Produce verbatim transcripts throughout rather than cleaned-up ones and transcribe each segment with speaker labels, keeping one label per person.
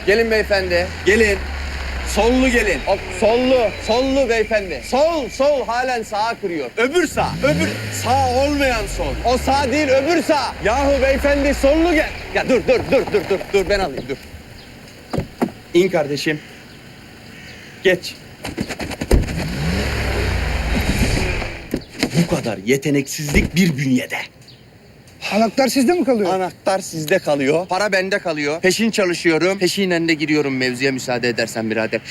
Speaker 1: Gelin beyefendi, gelin. Sollu gelin. Hop, sollu, sollu beyefendi. Sol, sol halen sağa kırıyor. Öbür sağ, öbür sağ olmayan sol. O sağ değil, öbür sağ. Yahu beyefendi sollu gel. Ya dur, dur, dur, dur, dur, dur ben alayım, dur. İn kardeşim. Geç. Bu kadar yeteneksizlik bir bünyede.
Speaker 2: Anahtar sizde mi kalıyor?
Speaker 1: Anahtar sizde kalıyor, para bende kalıyor. Peşin çalışıyorum, peşinen de giriyorum mevzuya müsaade edersen birader.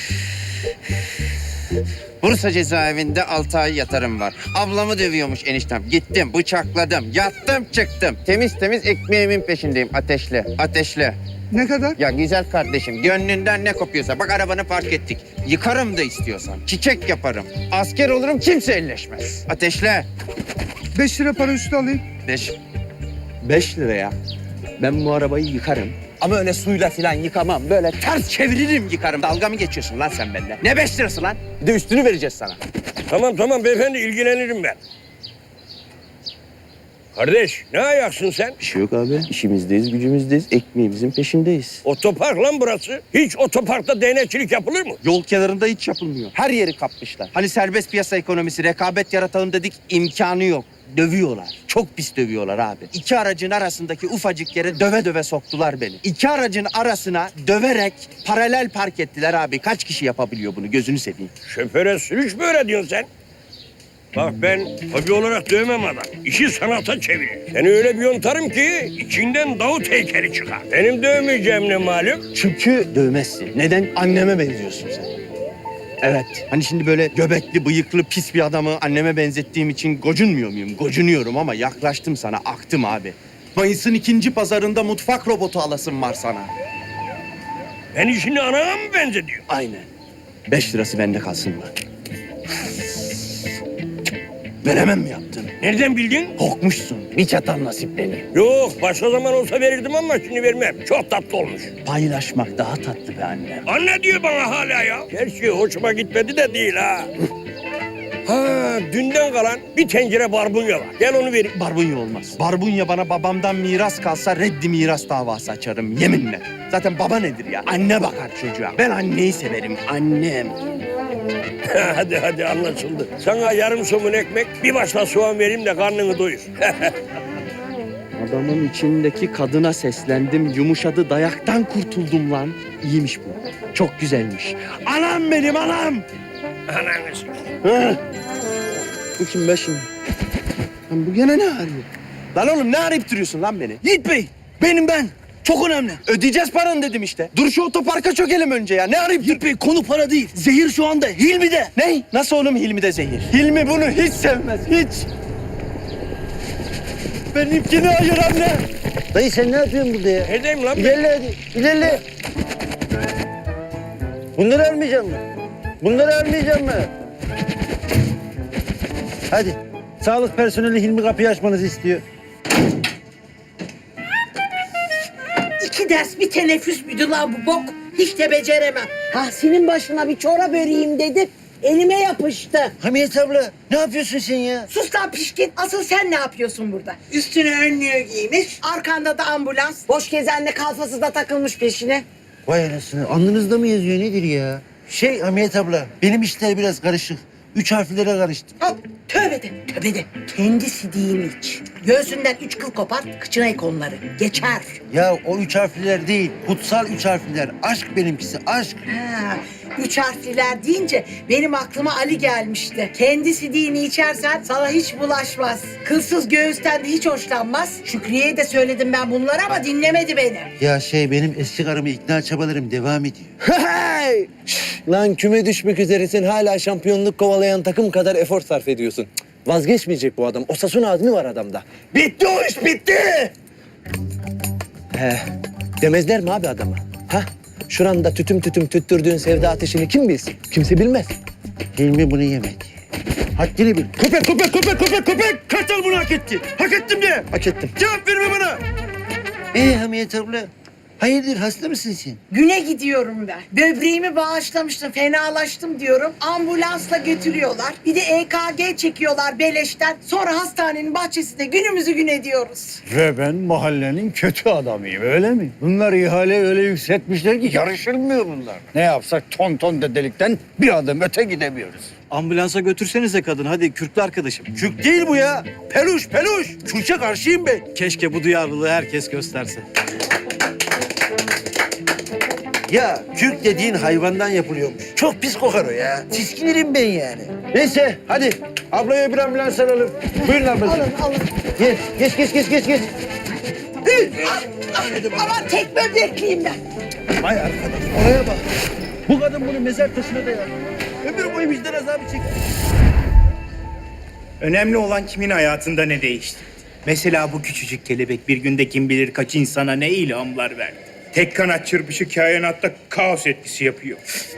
Speaker 1: Bursa cezaevinde altı ay yatarım var. Ablamı dövüyormuş eniştem. Gittim, bıçakladım, yattım, çıktım. Temiz temiz ekmeğimin peşindeyim. Ateşle, ateşle.
Speaker 2: Ne kadar?
Speaker 1: Ya güzel kardeşim, gönlünden ne kopuyorsa. Bak arabanı park ettik. Yıkarım da istiyorsan. Çiçek yaparım. Asker olurum, kimse elleşmez. Ateşle.
Speaker 2: Beş lira para üstü alayım.
Speaker 1: Beş. Beş liraya ben bu arabayı yıkarım. Ama öyle suyla falan yıkamam. Böyle ters çeviririm yıkarım. Dalga mı geçiyorsun lan sen benden? Ne beş lirası lan? Bir de üstünü vereceğiz sana.
Speaker 3: Tamam tamam beyefendi ilgilenirim ben. Kardeş ne ayaksın sen?
Speaker 1: Bir şey yok abi. İşimizdeyiz, gücümüzdeyiz. Ekmeğimizin peşindeyiz.
Speaker 3: Otopark lan burası. Hiç otoparkta değnekçilik yapılır mı?
Speaker 1: Yol kenarında hiç yapılmıyor. Her yeri kapmışlar. Hani serbest piyasa ekonomisi, rekabet yaratalım dedik, imkanı yok. Dövüyorlar. Çok pis dövüyorlar abi. İki aracın arasındaki ufacık yere döve döve soktular beni. İki aracın arasına döverek paralel park ettiler abi. Kaç kişi yapabiliyor bunu? Gözünü seveyim.
Speaker 3: Şoföre sürüş mü öğretiyorsun sen? Bak ben hobi olarak dövmem adam. İşi sanata çevirir. Seni öyle bir yontarım ki içinden Davut heykeli çıkar. Benim dövmeyeceğim ne malum?
Speaker 1: Çünkü dövmezsin. Neden? Anneme benziyorsun sen. Evet. Hani şimdi böyle göbekli, bıyıklı, pis bir adamı anneme benzettiğim için gocunmuyor muyum? Gocunuyorum ama yaklaştım sana, aktım abi. Mayıs'ın ikinci pazarında mutfak robotu alasım var sana.
Speaker 3: Beni şimdi anana mı benzediyor?
Speaker 1: Aynen. Beş lirası bende kalsın mı? Veremem mi yaptın?
Speaker 3: Nereden bildin?
Speaker 1: Korkmuşsun. Bir çatal nasiplerini.
Speaker 3: Yok başka zaman olsa verirdim ama şimdi vermem. Çok tatlı olmuş.
Speaker 1: Paylaşmak daha tatlı be annem.
Speaker 3: Anne diyor bana hala ya. Gerçi hoşuma gitmedi de değil ha. Ha dünden kalan bir tencere barbunya var. Gel onu vereyim.
Speaker 1: Barbunya olmaz. Barbunya bana babamdan miras kalsa reddi miras davası açarım yeminle. Zaten baba nedir ya? Anne bakar çocuğa. Ben anneyi severim. Annem.
Speaker 3: hadi hadi anlaşıldı. Sana yarım somun ekmek, bir başla soğan vereyim de karnını doyur.
Speaker 1: Adamın içindeki kadına seslendim. Yumuşadı, dayaktan kurtuldum lan. İyiymiş bu. Çok güzelmiş. Anam benim anam.
Speaker 3: Ananı sikeyim.
Speaker 1: Hı. Bu kim be şimdi? Lan bu gene ne arıyor? Lan oğlum ne arayıp duruyorsun lan beni?
Speaker 2: Yiğit Bey, benim ben. Çok önemli.
Speaker 1: Ödeyeceğiz paranı dedim işte. Dur şu otoparka çökelim önce ya. Ne arayıp dur?
Speaker 2: Yiğit Bey, konu para değil. Zehir şu anda Hilmi'de.
Speaker 1: Ne? Nasıl oğlum Hilmi de zehir? Hilmi bunu hiç sevmez, hiç. Benimkini ayır anne.
Speaker 4: Dayı sen ne yapıyorsun burada ya?
Speaker 3: Neredeyim lan ben?
Speaker 4: İlerle hadi, ilerle. Bunları almayacak mı? Bunları almayacak mı? Hadi. Sağlık personeli Hilmi kapıyı açmanızı istiyor.
Speaker 5: İki ders bir teneffüs müydü lan bu bok? Hiç de beceremem. Tahsin'in başına bir çorap öreyim dedi. Elime yapıştı.
Speaker 4: Hamiyet abla ne yapıyorsun sen ya?
Speaker 5: Sus lan pişkin. Asıl sen ne yapıyorsun burada? Üstüne önlüğü giymiş. Arkanda da ambulans. Boş gezenle kalfası da takılmış peşine.
Speaker 4: Vay anasını alnınızda mı yazıyor nedir ya? Şey Hamiyet abla benim işler biraz karışık. Üç harflere karıştım.
Speaker 5: Hop tövbe de tövbe de. Kendi sidiğini iç. Göğsünden üç kıl kopar, kıçına ek onları. Geçer.
Speaker 4: Ya o üç harfliler değil, kutsal üç harfliler. Aşk benimkisi, aşk.
Speaker 5: Ha, üç harfliler deyince benim aklıma Ali gelmişti. Kendi sidiğini içersen sana hiç bulaşmaz. Kılsız göğüsten de hiç hoşlanmaz. Şükriye'ye de söyledim ben bunları ama dinlemedi beni.
Speaker 4: Ya şey benim eski karımı ikna çabalarım devam ediyor.
Speaker 6: Hey! Şş, lan küme düşmek üzeresin hala şampiyonluk kovalayan takım kadar efor sarf ediyorsun. Cık, vazgeçmeyecek bu adam. Osasuna azmi var adamda. Bitti o iş bitti. He, demezler mi abi adama? Ha? Şuranda tütüm tütüm tüttürdüğün sevda ateşini kim bilsin? Kimse bilmez.
Speaker 4: Hilmi bunu yemedi. Haddini bil.
Speaker 1: Köpek, köpek, köpek, köpek, köpek. Kartal bunu hak etti. Hak ettim diye.
Speaker 6: Hak ettim.
Speaker 1: Cevap verme bana.
Speaker 4: Ee Hamiyet abla, Hayırdır hasta mısın sen?
Speaker 5: Güne gidiyorum ben. Böbreğimi bağışlamıştım, fenalaştım diyorum. Ambulansla götürüyorlar. Bir de E K G çekiyorlar beleşten. Sonra hastanenin bahçesinde günümüzü gün ediyoruz.
Speaker 7: Ve ben mahallenin kötü adamıyım öyle mi? Bunlar ihale öyle yükseltmişler ki yarışılmıyor bunlar. Ne yapsak ton ton dedelikten bir adım öte gidemiyoruz.
Speaker 8: Ambulansa götürsenize kadın hadi kürklü arkadaşım.
Speaker 4: Kürk değil bu ya. Peluş peluş. Kürçe karşıyım ben.
Speaker 8: Keşke bu duyarlılığı herkes gösterse.
Speaker 4: Ya kürk dediğin hayvandan yapılıyormuş. Çok pis kokar o ya. Tiskinirim ben yani. Neyse hadi ablaya bir ambulans alalım. Buyurun ablacığım.
Speaker 5: Alın, alın.
Speaker 4: Geç geç geç geç geç. geç.
Speaker 5: Aman tek böbrekliyim ben.
Speaker 4: Vay arkadaş oraya bak. Bu kadın bunu mezar taşına dayadı. Ömür boyu vicdan azabı çekti.
Speaker 9: Önemli olan kimin hayatında ne değişti. Mesela bu küçücük kelebek bir günde kim bilir kaç insana ne ilhamlar verdi. Tek kanat çırpışı kainatta kaos etkisi yapıyor.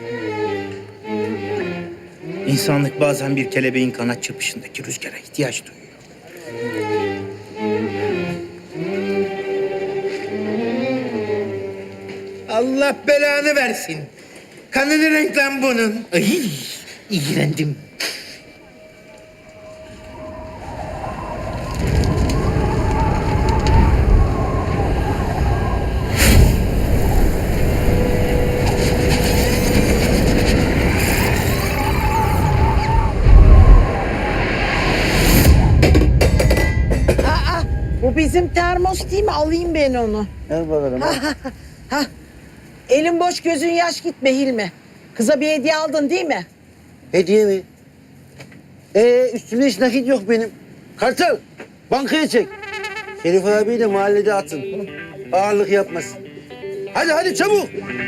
Speaker 9: İnsanlık bazen bir kelebeğin kanat çırpışındaki rüzgara ihtiyaç duyuyor.
Speaker 4: Allah belanı versin. Kanı ne renk lan bunun? Ay, iğrendim.
Speaker 5: Bu bizim termos değil mi? Alayım ben onu.
Speaker 4: Ver bakalım.
Speaker 5: Hah. Elin boş gözün yaş gitme Hilmi. Kıza bir hediye aldın değil mi?
Speaker 4: Hediye mi? Ee, üstümde hiç nakit yok benim. Kartal, bankaya çek. Şerif abiyi de mahallede atın. Ağırlık yapmasın. Hadi hadi çabuk.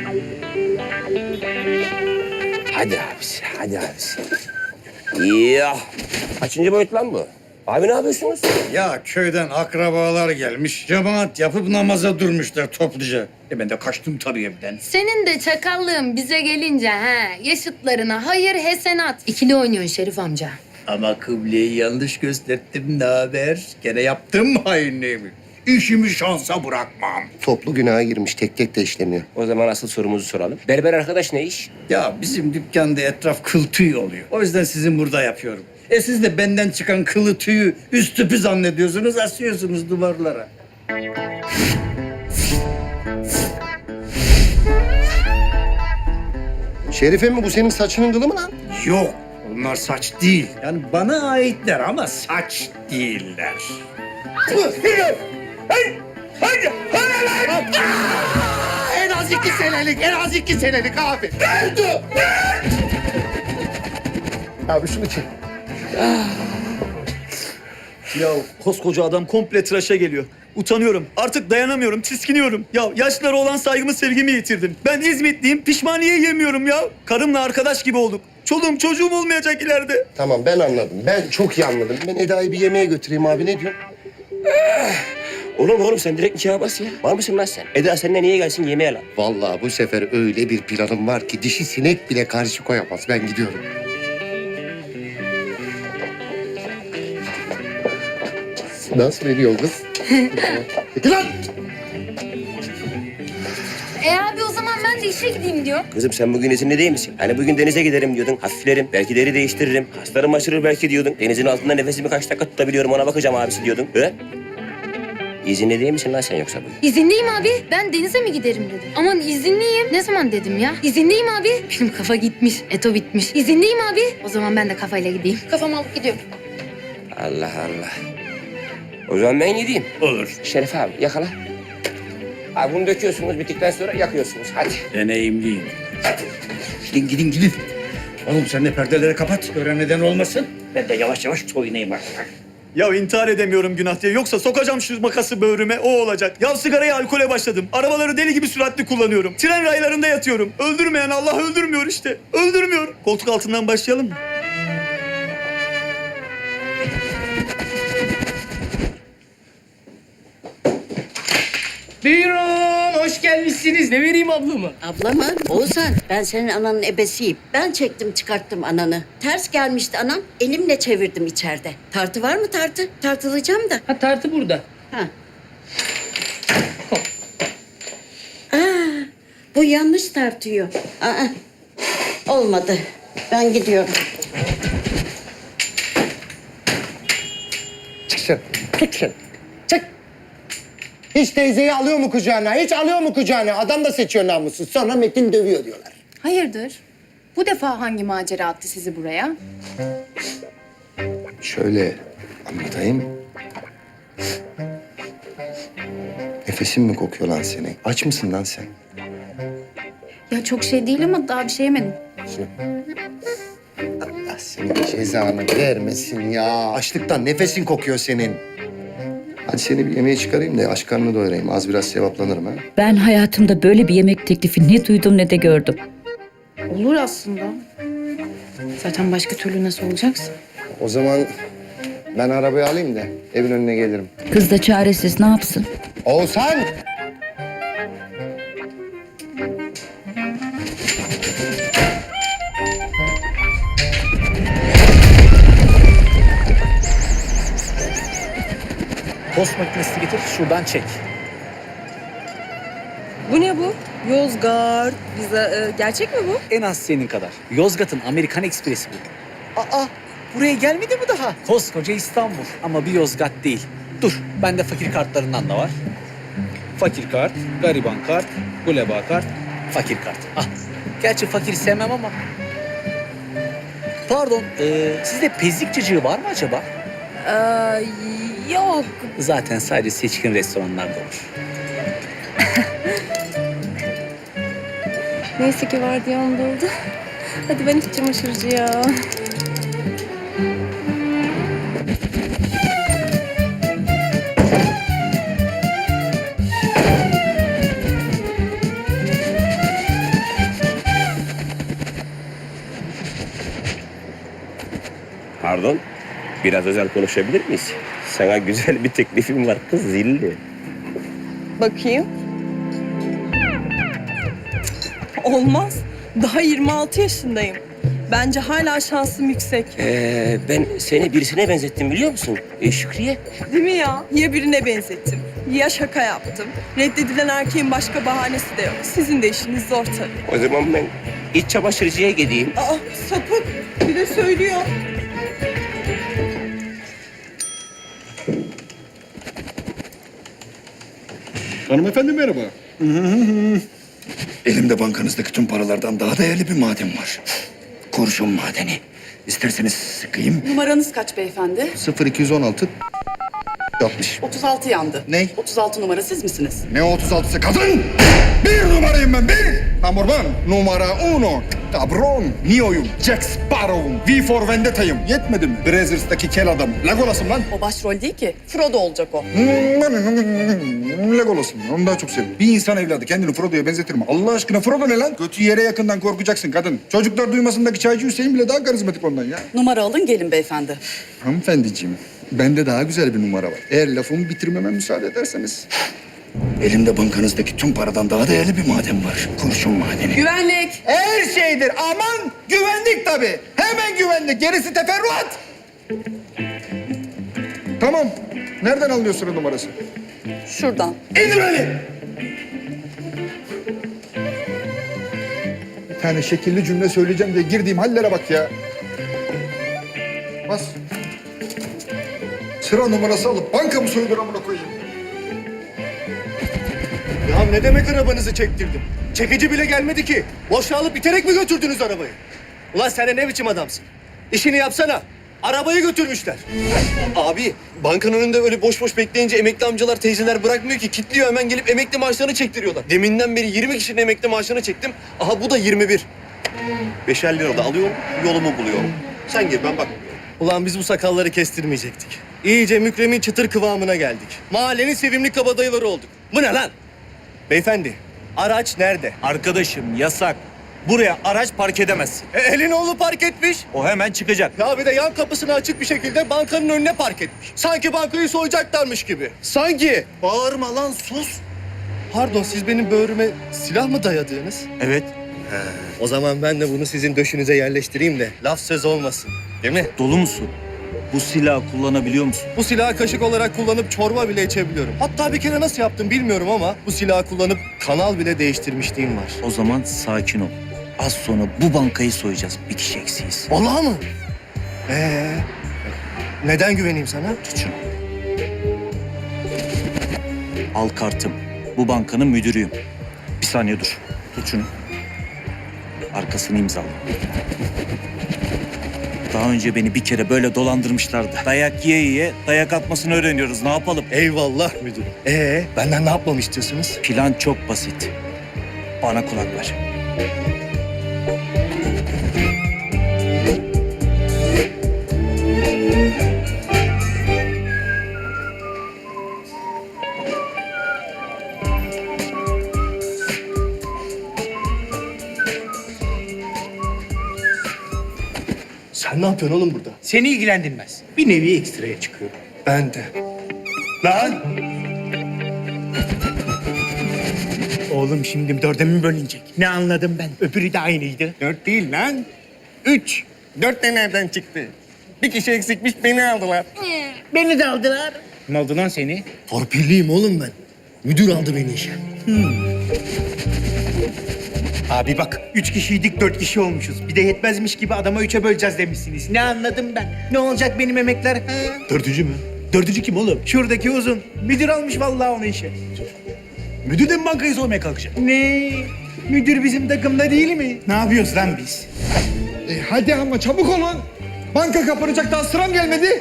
Speaker 3: Hadi abisi, hadi abisi. Ya. Kaçıncı boyut lan bu? Abi ne yapıyorsunuz?
Speaker 7: Ya köyden akrabalar gelmiş. Cemaat yapıp namaza durmuşlar topluca. E ben de kaçtım tabii evden.
Speaker 10: Senin de çakallığın bize gelince he, yaşıtlarına hayır hesenat. İkili oynuyorsun Şerif amca.
Speaker 9: Ama kıbleyi yanlış gösterdim ne haber? Gene yaptım mı hainliğimi? İşimi şansa bırakmam.
Speaker 11: Toplu günaha girmiş, tek tek de işleniyor.
Speaker 3: O zaman asıl sorumuzu soralım. Berber arkadaş ne iş?
Speaker 7: Ya bizim dükkanda etraf kıl tüy oluyor. O yüzden sizin burada yapıyorum. E siz de benden çıkan kılı tüyü üst tüpü zannediyorsunuz, asıyorsunuz duvarlara.
Speaker 11: Şerife mi bu senin saçının kılı mı lan?
Speaker 9: Yok, onlar saç değil. Yani bana aitler ama saç değiller.
Speaker 4: En az iki senelik, en az iki senelik abi.
Speaker 11: Abi şunu çek.
Speaker 8: Ya koskoca adam komple tıraşa geliyor. Utanıyorum. Artık dayanamıyorum. Tiskiniyorum. Ya yaşlara olan saygımı sevgimi yitirdim. Ben İzmitliyim. Pişmaniye yemiyorum ya. Karımla arkadaş gibi olduk. Çoluğum çocuğum olmayacak ileride.
Speaker 11: Tamam ben anladım. Ben çok iyi anladım. Ben Eda'yı bir yemeğe götüreyim abi, ne diyorsun?
Speaker 3: Oğlum oğlum sen direkt nikaha bas ya. Var mısın lan sen? Eda seninle niye gelsin yemeğe lan?
Speaker 11: Vallahi bu sefer öyle bir planım var ki dişi sinek bile karşı koyamaz. Ben gidiyorum. Nasıl ediyor kız? Peki lan!
Speaker 10: E abi o zaman ben de işe gideyim diyor.
Speaker 3: Kızım sen bugün izinli değil misin? Hani bugün denize giderim diyordun. Hafiflerim. Belki deri değiştiririm. Kaslarım aşırır belki diyordun. Denizin altında nefesimi kaç dakika tutabiliyorum ona bakacağım abisi diyordun. He? İzinli değil misin lan sen yoksa bugün?
Speaker 10: İzinliyim abi. Ben denize mi giderim dedim. Aman izinliyim. Ne zaman dedim ya? İzinliyim abi. Benim kafa gitmiş. Eto bitmiş. İzinliyim abi. O zaman ben de kafayla gideyim. Kafamı alıp gidiyorum.
Speaker 3: Allah Allah. O zaman ben gideyim.
Speaker 9: Olur.
Speaker 3: Şerif abi yakala. Abi bunu döküyorsunuz bittikten sonra yakıyorsunuz. Hadi.
Speaker 9: Deneyimliyim. Gidin gidin gidin. Oğlum sen de perdeleri kapat. Gören neden olmasın. Ben de yavaş yavaş soyunayım artık.
Speaker 8: Ya intihar edemiyorum günah diye. Yoksa sokacağım şu makası böğrüme. O olacak. Ya sigaraya alkole başladım. Arabaları deli gibi süratli kullanıyorum. Tren raylarında yatıyorum. Öldürmeyen Allah öldürmüyor işte. Öldürmüyor. Koltuk altından başlayalım mı?
Speaker 12: Buyurun, hoş gelmişsiniz. Ne vereyim ablamı?
Speaker 13: Abla mı? Oğuzhan, ben senin ananın ebesiyim. Ben çektim çıkarttım ananı. Ters gelmişti anam, elimle çevirdim içeride. Tartı var mı tartı? Tartılacağım da.
Speaker 12: Ha tartı burada.
Speaker 13: Ha. yanlış tartıyor. Aa, olmadı. Ben gidiyorum.
Speaker 11: Çık sen. Tut sen. Çık. Hiç teyzeyi alıyor mu kucağına? Hiç alıyor mu kucağına? Adam da seçiyor namussuz. Sonra Metin dövüyor diyorlar.
Speaker 10: Hayırdır? Bu defa hangi macera attı sizi buraya?
Speaker 14: Şöyle anlatayım. Nefesin mi kokuyor lan senin? Aç mısın lan sen?
Speaker 10: Ya çok şey değil ama daha bir şey yemedim.
Speaker 11: Allah senin cezanı vermesin ya.
Speaker 14: Açlıktan nefesin kokuyor senin. Hadi seni bir yemeğe çıkarayım da aç karnını doyurayım. Az biraz sevaplanırım ha.
Speaker 15: Ben hayatımda böyle bir yemek teklifi ne duydum ne de gördüm.
Speaker 10: Olur aslında. Zaten başka türlü nasıl olacaksın?
Speaker 11: O zaman ben arabayı alayım da evin önüne gelirim.
Speaker 15: Kız da çaresiz ne yapsın?
Speaker 11: Oğuzhan!
Speaker 2: Post makinesini getir, şuradan çek.
Speaker 12: Bu ne bu? Yozgat. Bize, e, gerçek mi bu?
Speaker 2: En az senin kadar. Yozgat'ın Amerikan Ekspresi bu. Aa, buraya gelmedi mi daha? Koskoca İstanbul ama bir Yozgat değil. Dur, bende fakir kartlarından da var. Fakir kart, gariban kart, guleba kart, fakir kart. Ah, gerçi fakir sevmem ama. Pardon, e, sizde pezlik cacığı var mı acaba?
Speaker 12: Ee, yok.
Speaker 2: Zaten sadece seçkin restoranlarda olur.
Speaker 12: Neyse ki vardiyam doldu. Hadi ben hiç çamaşırcıya.
Speaker 3: Pardon, biraz özel konuşabilir miyiz? Sana güzel bir teklifim var kız zilli.
Speaker 12: Bakayım. Olmaz. Daha yirmi altı yaşındayım. Bence hala şansım yüksek.
Speaker 3: Ee, ben seni birisine benzettim biliyor musun? Ee, Şükriye.
Speaker 12: Değil mi ya? Ya birine benzettim, ya şaka yaptım. Reddedilen erkeğin başka bahanesi de yok. Sizin de işiniz zor tabii.
Speaker 3: O zaman ben iç çamaşırcıya gideyim.
Speaker 12: Aa, sapık. Bir de söylüyor.
Speaker 7: Hanımefendi merhaba. Elimde bankanızdaki tüm paralardan daha değerli bir maden var. Kurşun madeni. İsterseniz sıkayım.
Speaker 12: Numaranız kaç beyefendi?
Speaker 14: sıfır iki on altı altmış.
Speaker 12: otuz altı yandı.
Speaker 14: Ne?
Speaker 12: otuz altı numara siz misiniz?
Speaker 7: Ne otuz altısı kadın? Bir numarayım ben bir. Number one. Numara uno. Cabron. Neo'yum. Jack Sparrow'um. V for Vendetta'yım. Yetmedi mi? Brazzers'taki kel adam. Legolas'ım lan.
Speaker 12: O başrol değil ki. Frodo olacak o.
Speaker 7: Legolas'ım. Onu daha çok seviyorum. Bir insan evladı kendini Frodo'ya benzetir mi? Allah aşkına Frodo ne lan? Kötü yere yakından korkacaksın kadın. Çocuklar duymasındaki çaycı Hüseyin bile daha karizmatik ondan ya.
Speaker 12: Numara alın gelin beyefendi.
Speaker 7: Hanımefendiciğim, bende daha güzel bir numara var. Eğer lafımı bitirmeme müsaade ederseniz. Elimde bankanızdaki tüm paradan daha değerli bir maden var. Kurşun madeni.
Speaker 12: Güvenlik.
Speaker 7: Her şeydir. Aman güvenlik tabii. Hemen güvenlik. Gerisi teferruat. Tamam. Nereden alıyorsun o numarası?
Speaker 12: Şuradan.
Speaker 7: İndir beni. Bir tane şekilli cümle söyleyeceğim diye girdiğim hallere bak ya. Bas. Sıra numarası alıp banka mı soyulur amına koyayım?
Speaker 11: Ya ne demek arabanızı çektirdim? Çekici bile gelmedi ki. Boşa alıp iterek mi götürdünüz arabayı? Ulan sen de ne biçim adamsın? İşini yapsana. Arabayı götürmüşler.
Speaker 1: Abi bankanın önünde öyle boş boş bekleyince emekli amcalar teyzeler bırakmıyor ki. Kitliyor hemen gelip emekli maaşlarını çektiriyorlar. Deminden beri yirmi kişinin emekli maaşını çektim. Aha bu da yirmi bir. Beşer lira da alıyorum yolumu buluyorum. Sen gir ben bak.
Speaker 11: Ulan biz bu sakalları kestirmeyecektik. İyice Mükremin çıtır kıvamına geldik. Mahallenin sevimli kabadayıları olduk. Bu ne lan? Beyefendi, araç nerede?
Speaker 8: Arkadaşım yasak. Buraya araç park edemezsin.
Speaker 11: E, elin oğlu park etmiş.
Speaker 8: O hemen çıkacak.
Speaker 11: Ya bir de yan kapısını açık bir şekilde bankanın önüne park etmiş. Sanki bankayı soyacaklarmış gibi.
Speaker 1: Sanki.
Speaker 11: Bağırma lan sus. Pardon siz benim böğrüme silah mı dayadınız?
Speaker 8: Evet.
Speaker 11: O zaman ben de bunu sizin döşünüze yerleştireyim de laf söz olmasın. Değil mi?
Speaker 8: Dolu musun? Bu silahı kullanabiliyor musun?
Speaker 11: Bu silahı kaşık olarak kullanıp çorba bile içebiliyorum. Hatta bir kere nasıl yaptım bilmiyorum ama bu silahı kullanıp kanal bile değiştirmişliğim var.
Speaker 8: O zaman sakin ol. Az sonra bu bankayı soyacağız. Bir kişi eksiyiz.
Speaker 11: Vallahi mı? Ee, neden güveneyim sana?
Speaker 8: Tut şunu. Al kartım. Bu bankanın müdürüyüm. Bir saniye dur. Tut şunu. Arkasını imzala. Daha önce beni bir kere böyle dolandırmışlardı. Dayak yiye yiye dayak atmasını öğreniyoruz. Ne yapalım?
Speaker 11: Eyvallah müdürüm. Ee, benden ne yapmamı istiyorsunuz?
Speaker 8: Plan çok basit. Bana kulak ver.
Speaker 11: Sen ne yapıyorsun oğlum burada?
Speaker 9: Seni ilgilendirmez. Bir nevi ekstraya çıkıyor.
Speaker 11: Ben de.
Speaker 9: Lan! Oğlum şimdi dörde mi bölünecek? Ne anladım ben? Öbürü de aynıydı.
Speaker 11: Dört değil lan. Üç. Dört de nereden çıktı? Bir kişi eksikmiş beni aldılar.
Speaker 9: Beni de aldılar. Ne oldu lan seni?
Speaker 11: Torpilliyim oğlum ben. Müdür aldı beni işe.
Speaker 9: Abi bak, üç kişiydik, dört kişi olmuşuz. Bir de yetmezmiş gibi adama üçe böleceğiz demişsiniz. Ne anladım ben? Ne olacak benim emekler? Ha?
Speaker 11: Dördüncü mü? Dördüncü kim oğlum?
Speaker 9: Şuradaki uzun. Müdür almış vallahi onu işe.
Speaker 11: Müdür de mi bankayı soymaya kalkacak?
Speaker 9: Ne? Müdür bizim takımda değil mi? Ne yapıyoruz lan biz?
Speaker 7: E, hadi ama çabuk olun. Banka kapanacak, daha sıram gelmedi.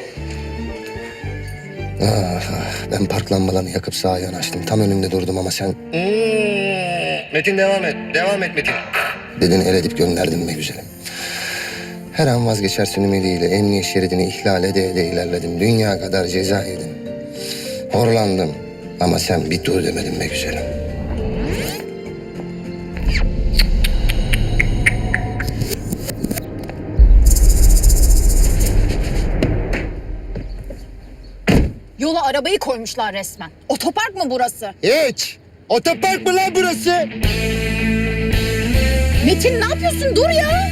Speaker 14: Ah, ah, ben park lambalarını yakıp sağa yanaştım. Tam önünde durdum ama sen...
Speaker 11: Metin devam et. Devam et Metin.
Speaker 14: Dedin el edip gönderdin be güzelim. Her an vazgeçersin ümidiyle emniyet şeridini ihlal ede ede ilerledim. Dünya kadar ceza yedim. Horlandım ama sen bir dur demedin be güzelim.
Speaker 10: Yola arabayı koymuşlar resmen. Otopark mı burası?
Speaker 14: Hiç! Otopark mı lan burası?
Speaker 10: Metin ne yapıyorsun? Dur ya.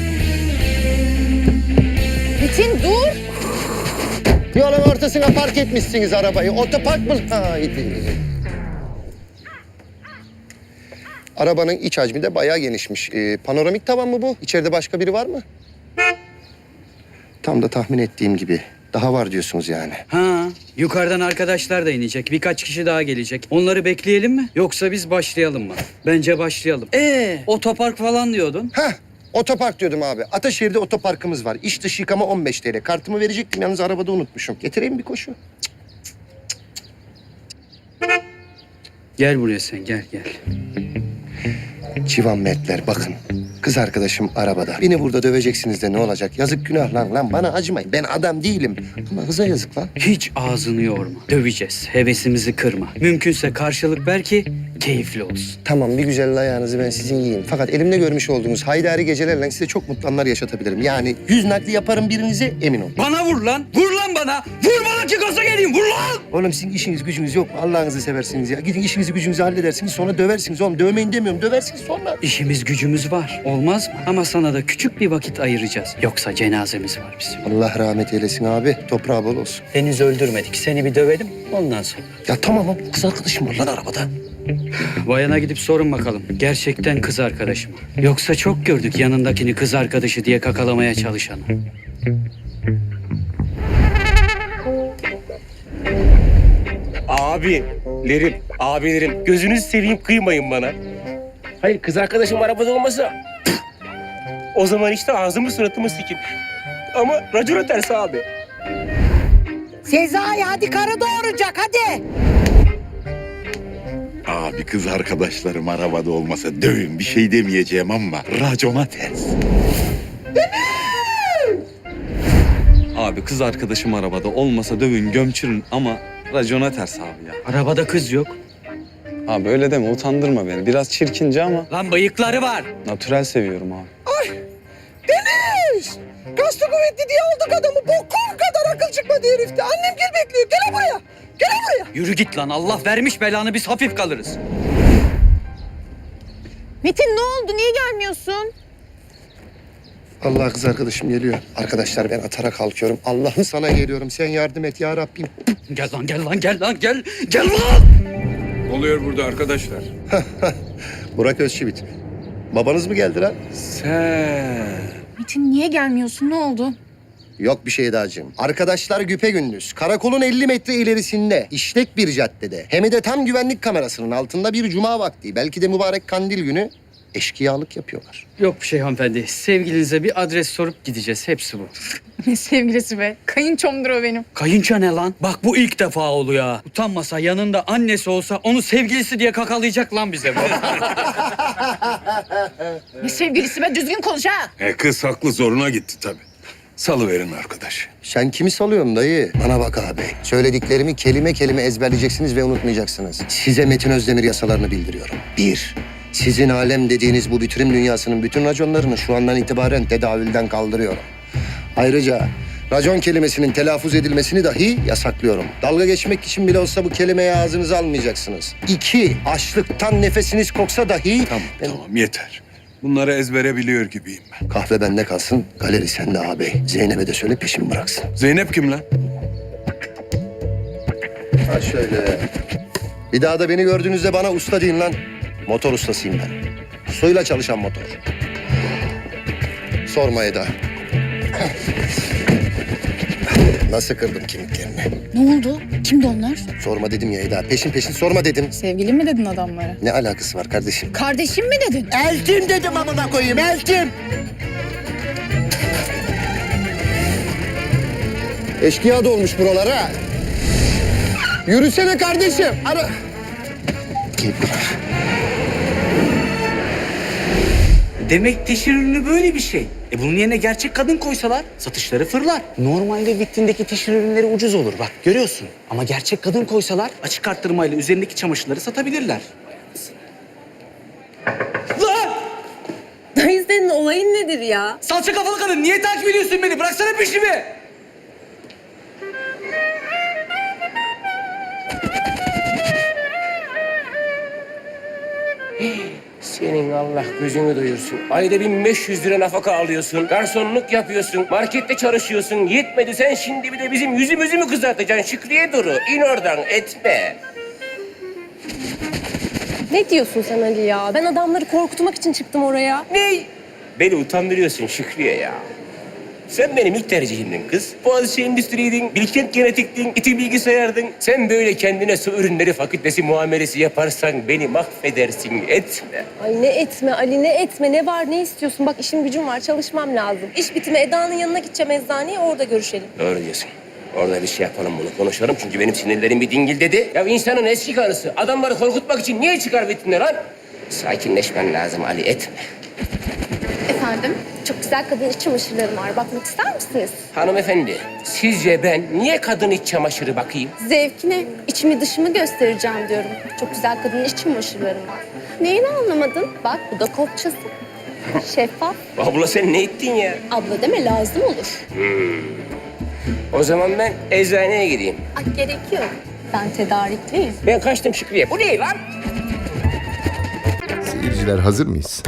Speaker 10: Metin dur.
Speaker 14: Yolun ortasına park etmişsiniz arabayı. Otopark mı? Haydi. Arabanın iç hacmi de bayağı genişmiş. Ee, panoramik tavan mı bu? İçeride başka biri var mı? Tam da tahmin ettiğim gibi. Daha var diyorsunuz yani.
Speaker 16: Ha, yukarıdan arkadaşlar da inecek. Birkaç kişi daha gelecek. Onları bekleyelim mi? Yoksa biz başlayalım mı? Bence başlayalım. Ee, otopark falan diyordun.
Speaker 14: Heh, otopark diyordum abi. Ataşehir'de otoparkımız var. İç dış yıkama on beş T L. Kartımı verecektim yalnız arabada unutmuşum. Getireyim bir koşu.
Speaker 16: Gel buraya sen, gel gel.
Speaker 14: Civan Mertler bakın. Kız arkadaşım arabada. Beni burada döveceksiniz de ne olacak? Yazık günah lan lan bana acımayın. Ben adam değilim. Ama kıza yazık lan.
Speaker 16: Hiç ağzını yorma. Döveceğiz. Hevesimizi kırma. Mümkünse karşılık ver ki keyifli olsun.
Speaker 14: Tamam bir güzel ayağınızı ben sizin yiyeyim. Fakat elimde görmüş olduğunuz haydari gecelerle size çok mutlu anlar yaşatabilirim. Yani yüz nakli yaparım birinize emin olun.
Speaker 16: Bana vur lan! Vur lan bana! Vur bana ki gaza geleyim! Vur lan!
Speaker 14: Oğlum sizin işiniz gücünüz yok mu? Allah'ınızı seversiniz ya. Gidin işinizi gücünüzü halledersiniz sonra döversiniz. Oğlum dövmeyin demiyorum döversiniz sonra.
Speaker 16: İşimiz gücümüz var. Olmaz mı? Ama sana da küçük bir vakit ayıracağız. Yoksa cenazemiz var bizim.
Speaker 14: Allah rahmet eylesin abi. Toprağı bol olsun.
Speaker 16: Henüz öldürmedik. Seni bir dövelim ondan sonra.
Speaker 14: Ya tamam oğlum. Kız arkadaşım var lan arabada.
Speaker 16: Bayana gidip sorun bakalım. Gerçekten kız arkadaşı mı? Yoksa çok gördük yanındakini kız arkadaşı diye kakalamaya çalışanı.
Speaker 3: Abilerim, abilerim gözünüzü seveyim kıymayın bana. Hayır kız arkadaşım arabada olmasa o zaman işte ağzımı suratımı sikin. Ama racona ters abi.
Speaker 5: Sezai hadi karı doğuracak hadi.
Speaker 17: Abi kız arkadaşlarım arabada olmasa dövün bir şey demeyeceğim ama racona ters.
Speaker 1: Abi kız arkadaşım arabada olmasa dövün gömçürün ama racona ters abi ya.
Speaker 16: Arabada kız yok.
Speaker 1: Abi öyle deme utandırma beni. Biraz çirkince ama
Speaker 16: Lan bıyıkları var.
Speaker 1: natürel seviyorum abi.
Speaker 5: Deniz! Kaslı kuvvetli diye aldık adamı. Bokum kadar akıl çıkmadı herifte. Annem gel bekliyor. Gel buraya. Gel buraya.
Speaker 16: Yürü git lan. Allah vermiş belanı biz hafif kalırız.
Speaker 10: Metin ne oldu? Niye gelmiyorsun?
Speaker 14: Allah kız arkadaşım geliyor. Arkadaşlar ben atara kalkıyorum. Allah'ım sana geliyorum. Sen yardım et ya Rabbim.
Speaker 16: Gel lan gel lan gel lan gel. Gel lan.
Speaker 3: Ne oluyor burada arkadaşlar?
Speaker 14: Burak Özçivit. Babanız mı geldi lan?
Speaker 3: Sen.
Speaker 10: Metin niye gelmiyorsun? Ne oldu?
Speaker 14: Yok bir şey dağcığım. Arkadaşlar güpegündüz. Karakolun elli metre ilerisinde, işlek bir caddede. Hem de tam güvenlik kamerasının altında bir cuma vakti. Belki de mübarek kandil günü eşkıyalık yapıyorlar.
Speaker 16: Yok bir şey hanımefendi. Sevgilinize bir adres sorup gideceğiz. Hepsi bu.
Speaker 10: Ne sevgilisi be? Kayınçomdur o benim.
Speaker 16: Kayınço ne lan? Bak bu ilk defa oluyor ha. Utanmasa yanında annesi olsa onu sevgilisi diye kakalayacak lan bize bu.
Speaker 10: Ne sevgilisi be? Düzgün konuş ha.
Speaker 3: E kız haklı zoruna gitti tabii. Salıverin arkadaş.
Speaker 14: Sen kimi salıyorsun dayı? Bana bak abi. Söylediklerimi kelime kelime ezberleyeceksiniz ve unutmayacaksınız. Size Metin Özdemir yasalarını bildiriyorum. Bir, sizin alem dediğiniz bu bitirim dünyasının bütün raconlarını şu andan itibaren tedavülden kaldırıyorum. Ayrıca racon kelimesinin telaffuz edilmesini dahi yasaklıyorum. Dalga geçmek için bile olsa bu kelimeyi ağzınıza almayacaksınız. İki, açlıktan nefesiniz koksa dahi...
Speaker 3: Tamam tamam yeter. Bunları ezbere biliyor gibiyim ben.
Speaker 14: Kahve bende kalsın, galeri sende ağabey. Zeynep'e de söyle peşimi bıraksın.
Speaker 3: Zeynep kim lan?
Speaker 14: Ha şöyle. Bir daha da beni gördüğünüzde bana usta deyin lan. Motor ustasıyım ben. Suyla çalışan motor. Sorma Eda. Nasıl kırdım kemiklerini?
Speaker 10: Ne oldu? Kimdi onlar?
Speaker 14: Sorma dedim ya Eda. Peşin peşin sorma dedim.
Speaker 10: Sevgili mi dedin adamlara?
Speaker 14: Ne alakası var kardeşim?
Speaker 10: Kardeşim mi dedin?
Speaker 4: Eltim dedim amına koyayım, eltim.
Speaker 14: Eşkıya dolmuş buralara. Yürüsene kardeşim. Ara...
Speaker 2: Demek teşhir ürünü böyle bir şey. E bunun yerine gerçek kadın koysalar satışları fırlar. Normalde vitrindeki teşhir ürünleri ucuz olur bak görüyorsun. Ama gerçek kadın koysalar açık arttırmayla üzerindeki çamaşırları satabilirler. Lan!
Speaker 12: Dayı senin olayın nedir ya?
Speaker 2: Salça kafalı kadın niye takip ediyorsun beni? Bıraksana peşimi.
Speaker 11: Senin Allah gözünü doyursun. Ayda bin beş yüz lira nafaka alıyorsun. Garsonluk yapıyorsun. Markette çalışıyorsun. Yetmedi sen şimdi bir de bizim yüzümüzü mü kızartacaksın Şükriye Duru? İn oradan etme.
Speaker 12: Ne diyorsun sen Ali ya? Ben adamları korkutmak için çıktım oraya.
Speaker 11: Ne? Beni utandırıyorsun Şükriye ya. Sen benim ilk tercihimdin kız. Boğaziçi Endüstri'ydin, Bilkent Genetik'tin, İTÜ Bilgisayar'dın. Sen böyle kendine su ürünleri fakültesi muamelesi yaparsan beni mahvedersin. Etme.
Speaker 12: Ay ne etme Ali, ne etme, ne var, ne istiyorsun? Bak işim gücüm var, çalışmam lazım. İş bitimi Eda'nın yanına gideceğim eczaneye, orada görüşelim.
Speaker 11: Doğru diyorsun. Orada bir şey yapalım bunu konuşalım çünkü benim sinirlerim bir dingil dedi. Ya insanın eski karısı adamları korkutmak için niye çıkar vitrine lan? Sakinleşmen lazım Ali etme.
Speaker 12: Efendim, çok güzel kadın iç çamaşırlarım var. Bakmak ister misiniz?
Speaker 11: Hanımefendi sizce ben niye kadın iç çamaşırı bakayım?
Speaker 12: Zevkine, içimi dışımı göstereceğim diyorum. Çok güzel kadın iç çamaşırlarım var. Neyini anlamadın? Bak bu da kopçası. Şeffaf.
Speaker 11: Abla sen ne ettin ya?
Speaker 12: Abla deme, lazım olur.
Speaker 11: Hmm. O zaman ben eczaneye gideyim.
Speaker 12: Ay gerek yok. Ben tedarikliyim.
Speaker 11: Ben kaçtım Şükriye. Bu ne lan?
Speaker 14: Seyirciler hazır mıyız?